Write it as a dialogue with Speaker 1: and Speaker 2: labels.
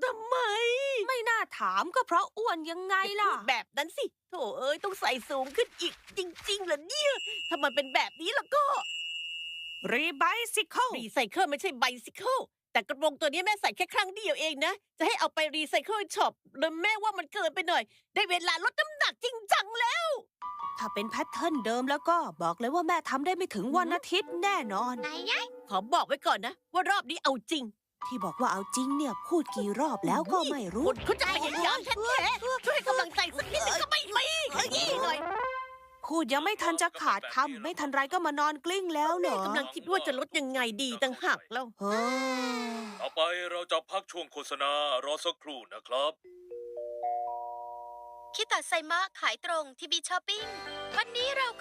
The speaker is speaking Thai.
Speaker 1: ทำไม
Speaker 2: ไม่น่าถามก็เพราะอ้วนยังไงล่ะ
Speaker 1: พูดแบบนั้นสิโถเอ้ยต้องใส่สูงขึ้นอีกจริงๆเหรอเนี่ยถ้ามันเป็นแบบนี้แล้วก็
Speaker 2: รีไบซิเคิล
Speaker 1: รีไซเคิลไม่ใช่ไบซิเคิลแต่กระโปรงตัวนี้แม่ใส่แค่ครั้งเดียวเองนะจะให้เอาไปรีไซเคิลช็อปแล้วแม่ว่ามันเกินไปหน่อย ได้เวลาลดน้ำหนักจริงจังแล้ว
Speaker 2: ถ้าเป็นแพทเทิร์นเดิมแล้วก็บอกเลยว่าแม่ทำได้ไม่ถึงวันอาทิตย์แน่นอน
Speaker 1: ขอบอกไว้ก่อนนะว่ารอบนี้เอาจริง
Speaker 2: ที่บอกว่าเอาจริงเนี่ยพูดกี่รอบแล้วก็ไม่รู้
Speaker 1: คนเขาจะพยายามแท้ๆช่วยให้กำลังใจสักนิดนึงก็ไม่มีขยี้หน่อย
Speaker 2: พูดยังไม่ทันจะขาดคำไม่ทันไรก็มานอนกลิ้งแล้วเหร
Speaker 1: แม่
Speaker 2: อก
Speaker 1: ำลังคิดว่าจะลดยังไงดีต่างหากแล้ว
Speaker 2: เฮ้ย
Speaker 3: ต่อไปเราจะพักช่วงโฆษณารอสักครู่นะครับ
Speaker 4: คิตาไซมะขายตรงที่บีช้อปปิ้งวันนี้เรา